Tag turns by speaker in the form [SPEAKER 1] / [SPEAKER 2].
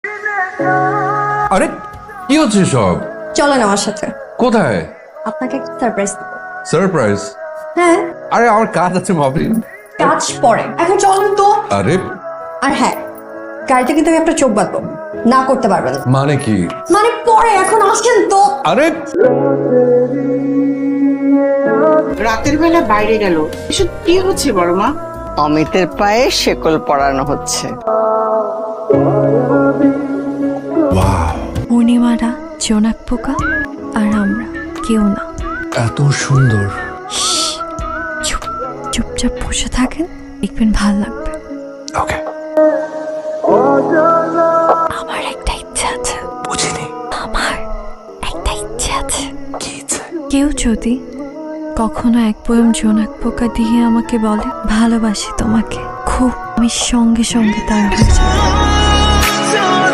[SPEAKER 1] আরে কি হচ্ছে সব?
[SPEAKER 2] চলেন আমার সাথে,
[SPEAKER 1] কোথায়?
[SPEAKER 2] আপনাকে একটা সারপ্রাইজ দেব।
[SPEAKER 1] সারপ্রাইজ?
[SPEAKER 2] হ্যাঁ,
[SPEAKER 1] আরে আমার কাজ আছে ভাবি।
[SPEAKER 2] কাজ পরে, এখন চলুন তো।
[SPEAKER 1] আরে
[SPEAKER 2] আর হ্যাঁ, গাড়িতে কিন্তু আমি আপনার চোখ বাঁধবো, না করতে পারবেন না।
[SPEAKER 1] মানে কি?
[SPEAKER 2] মানে পরে, এখন আসেন তো।
[SPEAKER 1] আরে
[SPEAKER 3] রাতের বেলা বাইরে গেল, এসব কি হচ্ছে বড় মা?
[SPEAKER 4] অমিতের পায়ে শেকল পরানো হচ্ছে।
[SPEAKER 5] পূর্ণিমারা জোনাক পোকা আর আমরা কেউ না।
[SPEAKER 1] এত সুন্দর।
[SPEAKER 5] চুপ চুপচাপ বসে থাকেন, দেখবেন ভাল লাগবে।
[SPEAKER 1] ওকে।
[SPEAKER 5] আমার একটা ইচ্ছা আছে।
[SPEAKER 1] বুঝিনি।
[SPEAKER 5] আমার একটা ইচ্ছে আছে।
[SPEAKER 1] কি ইচ্ছে?
[SPEAKER 5] কেউ যদি কখনো এক পোয়েম জোনাক পোকা দিয়ে আমাকে বলে ভালোবাসি তোমাকে খুব, আমি সঙ্গে সঙ্গে তার হয়ে যাবো।